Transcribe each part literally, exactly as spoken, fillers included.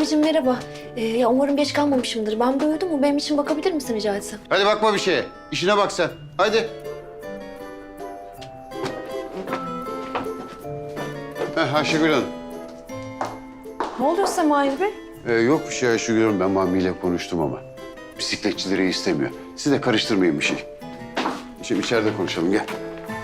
Mavicim merhaba. Ee, ya umarım geç kalmamışımdır. Ben böyle uyudum mu? Benim için bakabilir misin rica etsem? Hadi bakma bir şeye. İşine bak sen. Hadi. Heh, Ayşegül Hanım. Ne oluyor size Mahir Bey? Ee, yok bir şey Ayşegül Hanım. Ben Mami ile konuştum ama. Bisikletçileri istemiyor. Siz de karıştırmayın bir şey. Şimdi içeride konuşalım. Gel.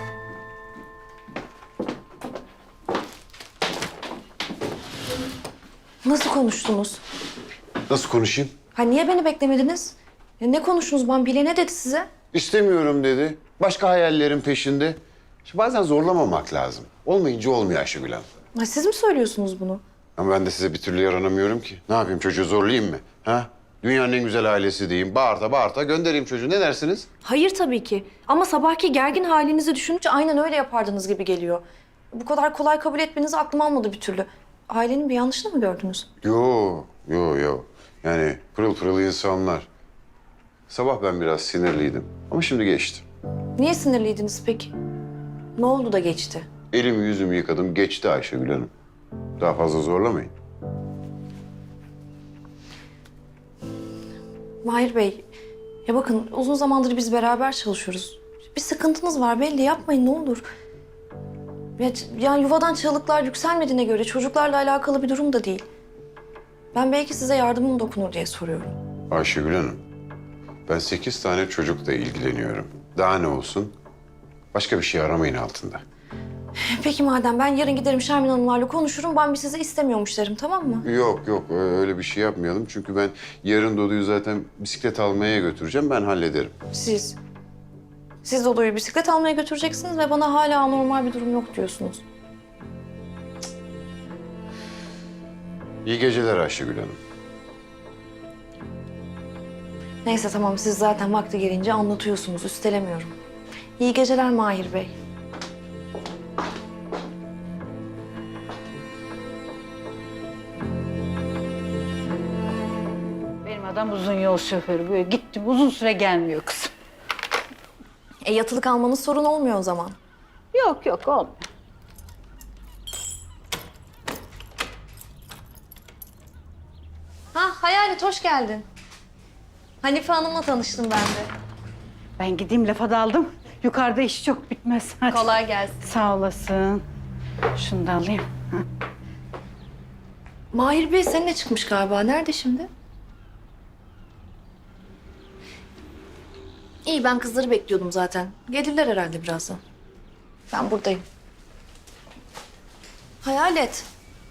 Nasıl konuştunuz? Nasıl konuşayım? Ha niye beni beklemediniz? Ya ne konuştunuz? Ben bile ne dedi size? İstemiyorum dedi. Başka hayallerin peşinde. Şimdi bazen zorlamamak lazım. Olmayınca olmuyor Ayşegül Hanım. Ha, siz mi söylüyorsunuz bunu? Ama ben de size bir türlü yaranamıyorum ki. Ne yapayım, çocuğu zorlayayım mı? Ha? Dünyanın en güzel ailesi diyeyim. Bağırta bağırta göndereyim çocuğu. Ne dersiniz? Hayır tabii ki. Ama sabahki gergin halinizi düşününce aynen öyle yapardınız gibi geliyor. Bu kadar kolay kabul etmenizi aklım almadı bir türlü. Ailenin bir yanlışını mı gördünüz? Yo, yo, yo. Yani pırıl pırıl insanlar. Sabah ben biraz sinirliydim ama şimdi geçti. Niye sinirliydiniz peki? Ne oldu da geçti? Elimi yüzümü yıkadım, geçti Ayşegül Hanım. Daha fazla zorlamayın. Mahir Bey, ya bakın uzun zamandır biz beraber çalışıyoruz. Bir sıkıntınız var belli, yapmayın ne olur. Ya, yani yuvadan çığlıklar yükselmediğine göre çocuklarla alakalı bir durum da değil. Ben belki size yardımım dokunur diye soruyorum. Ayşegül Hanım, ben sekiz tane çocukla ilgileniyorum. Daha ne olsun? Başka bir şey aramayın altında. Peki madem ben yarın giderim Şermin Hanımlarla konuşurum. Ben bir sizi istemiyormuş derim, tamam mı? Yok yok öyle bir şey yapmayalım. Çünkü ben yarın Dodu'yu zaten bisiklet almaya götüreceğim. Ben hallederim. Siz. Siz Dodo'yu bisiklet almaya götüreceksiniz ve bana hala anormal bir durum yok diyorsunuz. İyi geceler Ayşegül Hanım. Neyse tamam, siz zaten vakti gelince anlatıyorsunuz, üstelemiyorum. İyi geceler Mahir Bey. Benim adam uzun yol şoförü. Böyle gittim uzun süre gelmiyor kızım. E yatılı kalmanız sorun olmuyor o zaman. Yok yok olmuyor. Ha Hayalet, hoş geldin. Hanife Hanım'la tanıştım ben de. Ben gideyim lafa daldım. Yukarıda iş çok bitmez. Hadi. Kolay gelsin. Sağ olasın. Şunu da alayım. Ha. Mahir Bey seninle çıkmış galiba. Nerede şimdi? İyi, ben kızları bekliyordum zaten. Gelirler herhalde birazdan. Ben buradayım. Hayalet.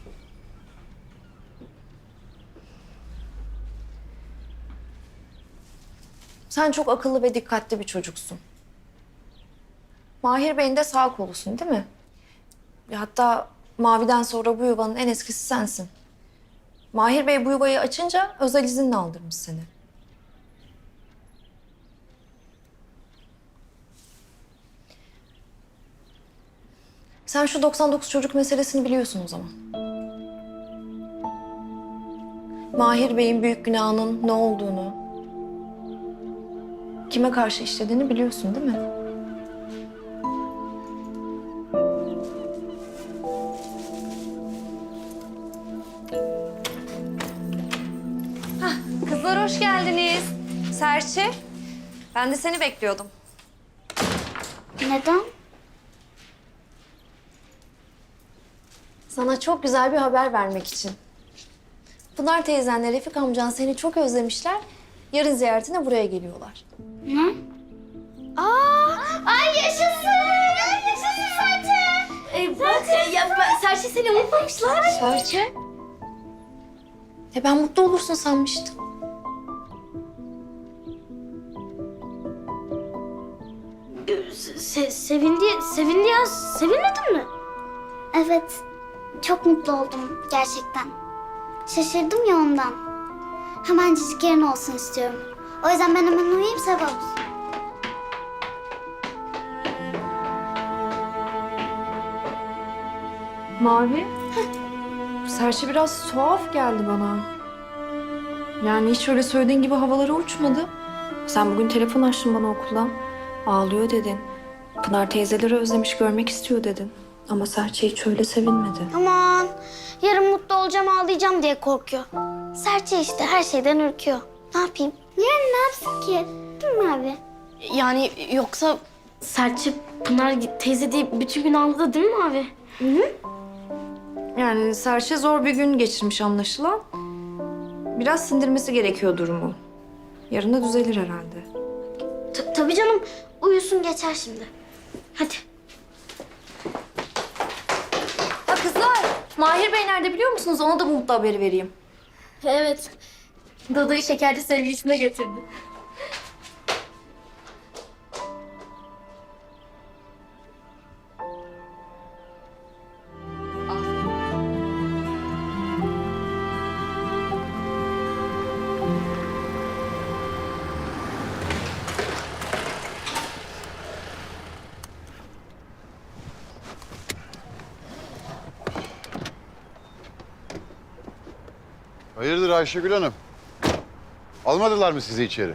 Sen çok akıllı ve dikkatli bir çocuksun. Mahir Bey'in de sağ kolusun değil mi? Hatta Mavi'den sonra bu yuvanın en eskisi sensin. Mahir Bey bu yuvayı açınca özel izinle aldırmış seni. Sen şu doksan dokuz çocuk meselesini biliyorsun o zaman. Mahir Bey'in büyük günahının ne olduğunu, kime karşı işlediğini biliyorsun değil mi? Hah, kızlar hoş geldiniz. Serçe, ben de seni bekliyordum. Neden? Sana çok güzel bir haber vermek için. Pınar teyzenle Refik amcan seni çok özlemişler. Yarın ziyaretine buraya geliyorlar. Ne? Aa! Ay yaşasın! Yaşasın Serçe! E, bak, ya, ben, Serçe seni unutmamışlar. Serçe? E ben mutlu olursun sanmıştım. Se sevindi, sevindi ya. Sevinmedin mi? Evet. Çok mutlu oldum gerçekten. Şaşırdım ya ondan. Hemencik yarın olsun istiyorum. O yüzden ben hemen uyuyayım, sabah olsun. Mavi? Serçe biraz tuhaf geldi bana. Yani hiç öyle söylediğin gibi havalara uçmadı. Sen bugün telefon açtın bana okuldan. Ağlıyor dedin. Pınar teyzeleri özlemiş, görmek istiyor dedin. Ama Serçe hiç öyle sevinmedi. Aman yarın mutlu olacağım, ağlayacağım diye korkuyor. Serçe işte her şeyden ürküyor. Ne yapayım? Yani ne yapsın ki? Değil mi abi? Yani yoksa Serçe Pınar teyze diye bütün gün ağladı değil mi abi? Yani Serçe zor bir gün geçirmiş anlaşılan. Biraz sindirmesi gerekiyor durumu. Yarın da düzelir herhalde. Ta- tabii canım. Uyusun geçer şimdi. Hadi. Ha kızlar, Mahir Bey nerede biliyor musunuz? Ona da bu mutlu haberi vereyim. Evet. Dada'yı şekerli sevgilisine getirdi. Hayırdır Ayşegül Hanım? Almadılar mı sizi içeri?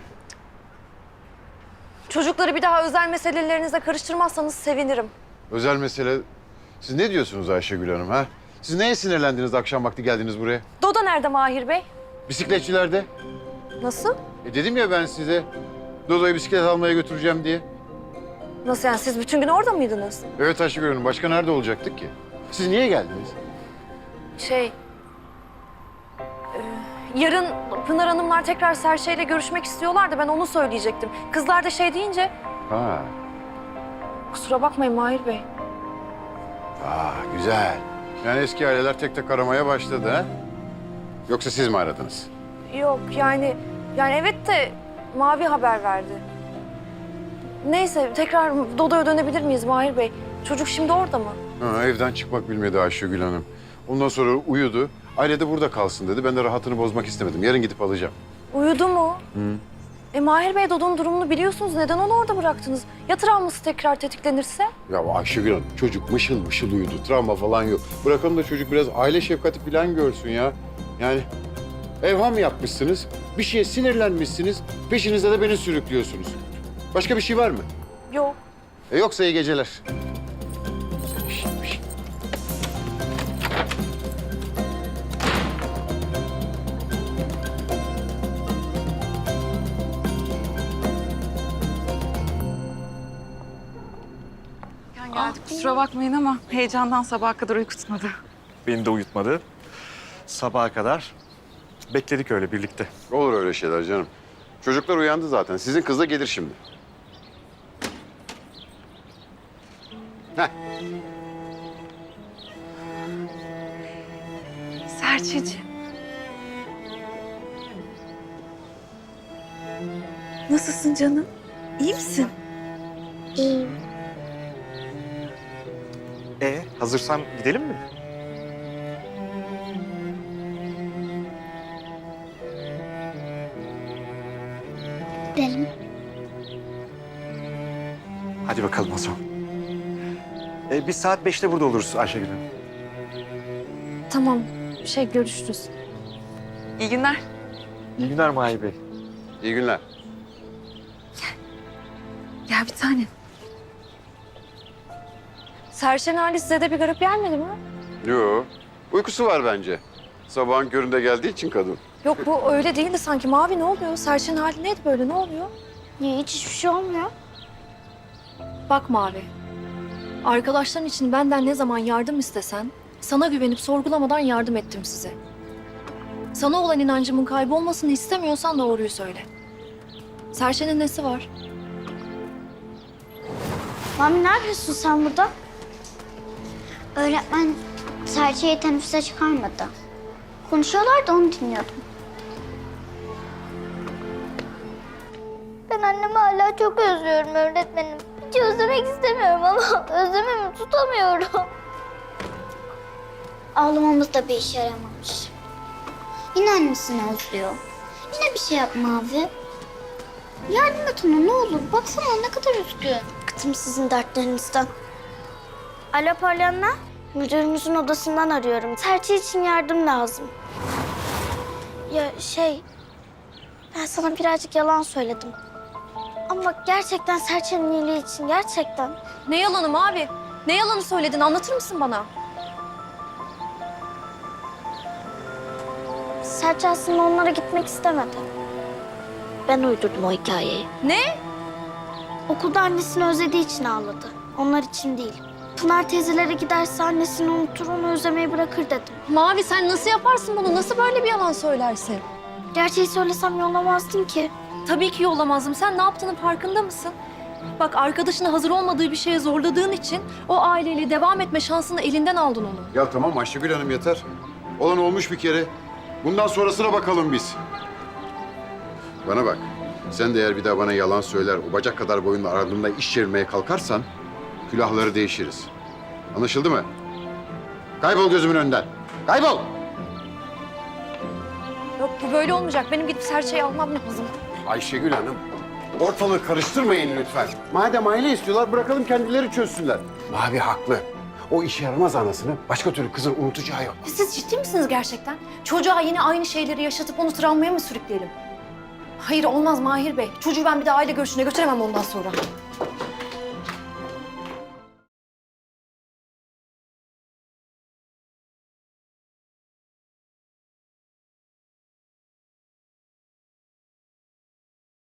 Çocukları bir daha özel meselelerinize karıştırmazsanız sevinirim. Özel mesele... Siz ne diyorsunuz Ayşegül Hanım ha? Siz neye sinirlendiniz de akşam vakti geldiniz buraya? Doda nerede Mahir Bey? Bisikletçilerde. Nasıl? E dedim ya ben size Dodo'yu bisiklet almaya götüreceğim diye. Nasıl yani? Siz bütün gün orada mıydınız? Evet Ayşegül Hanım, başka nerede olacaktık ki? Siz niye geldiniz? Şey... e, yarın Pınar Hanımlar tekrar Serçe ile görüşmek istiyorlar da ben onu söyleyecektim. Kızlar da şey deyince... Ha, Kusura bakmayın Mahir Bey. aa, güzel. Yani eski aileler tek tek aramaya başladı ha? Yoksa siz mi aradınız? Yok yani... Yani evet de Mavi haber verdi. Neyse tekrar Dodo'ya dönebilir miyiz Mahir Bey? Çocuk şimdi orada mı? Ha, evden çıkmak bilmedi Ayşegül Hanım. Ondan sonra uyudu. Aile de burada kalsın dedi. Ben de rahatını bozmak istemedim. Yarın gidip alacağım. Uyudu mu? Hı. E Mahir Bey Dodo'nun durumunu biliyorsunuz. Neden onu orada bıraktınız? Ya travması tekrar tetiklenirse? Ya Ayşegül Hanım, çocuk mışıl mışıl uyudu. Travma falan yok. Bırakalım da çocuk biraz aile şefkati falan görsün ya. Yani evham yapmışsınız, bir şeye sinirlenmişsiniz, peşinizde de beni sürüklüyorsunuz. Başka bir şey var mı? Yok. E yoksa iyi geceler. Güzel işmiş. Geldik. Kusura bakmayın ama heyecandan sabaha kadar uyku tutmadı. Beni de uyutmadı. Sabaha kadar bekledik öyle birlikte. Olur öyle şeyler canım. Çocuklar uyandı zaten. Sizin kız da gelir şimdi. Heh. Serçeciğim. Nasılsın canım? İyi misin? E hazırsan gidelim mi? Gidelim. Hadi bakalım o zaman. E, biz saat beşte burada oluruz Ayşegül Hanım. Tamam. Şey görüşürüz. İyi günler. İyi günler Mahir Bey. İyi günler. Gel bir tane. Serçe'nin hali size de bir garip gelmedi mi? Yo, uykusu var bence. Sabahın köründe geldiği için kadın. Yok bu öyle değildi sanki. Mavi ne oluyor? Serçe'nin hali neydi böyle? Ne oluyor? Ya hiç hiçbir şey olmuyor. Bak Mavi. Arkadaşların için benden ne zaman yardım istesen... ...sana güvenip sorgulamadan yardım ettim size. Sana olan inancımın kaybolmasını istemiyorsan doğruyu söyle. Serçe'nin nesi var? Mami ne yapıyorsun sen burada? Öğretmen Serçe'yi teneffüse çıkarmadı. Konuşuyorlar da onu dinliyordum. Ben annemi hala çok özlüyorum öğretmenim. Hiç özlemek istemiyorum ama özlememi tutamıyorum. Ağlamamız da bir işe yaramamış. Yine annesini özlüyor. Yine bir şey yapma abi. Yardım et ona ne olur. Baksana ne kadar üzgün. Bıktım sizin dertlerinizden. Alo Pollyanna. Müdürümüzün odasından arıyorum. Serçe için yardım lazım. Ya şey... Ben sana birazcık yalan söyledim. Ama gerçekten Serçe'nin iyiliği için gerçekten. Ne yalanı Mavi? Ne yalanı söyledin? Anlatır mısın bana? Serçe aslında onlara gitmek istemedi. Ben uydurdum o hikayeyi. Ne? Okulda annesini özlediği için ağladı. Onlar için değil. Pınar teyzelere giderse annesini unutur, onu özlemeyi bırakır dedim. Mavi sen nasıl yaparsın bunu? Nasıl böyle bir yalan söylersin? Gerçeği söylesem yollamazdın ki. Tabii ki yollamazdım. Sen ne yaptığının farkında mısın? Bak arkadaşını hazır olmadığı bir şeye zorladığın için o aileyle devam etme şansını elinden aldın onu. Ya tamam Ayşegül Hanım yeter. Olan olmuş bir kere. Bundan sonrasına bakalım biz. Bana bak. Sen de eğer bir daha bana yalan söyler, o bacak kadar boyunla ardımda iş çevirmeye kalkarsan külahları değişiriz. Anlaşıldı mı? Kaybol gözümün önünden. Kaybol! Yok bu böyle olmayacak. Benim gidip Serçe'yi almam lazım. Ayşegül Hanım, ortalığı karıştırmayın lütfen. Madem aile istiyorlar, bırakalım kendileri çözsünler. Mavi haklı. O işe yaramaz anasını başka türlü kızın unutacağı yok. Siz ciddi misiniz gerçekten? Çocuğa yine aynı şeyleri yaşatıp onu travmaya mı sürükleyelim? Hayır olmaz Mahir Bey. Çocuğu ben bir daha aile görüşüne götüremem ondan sonra.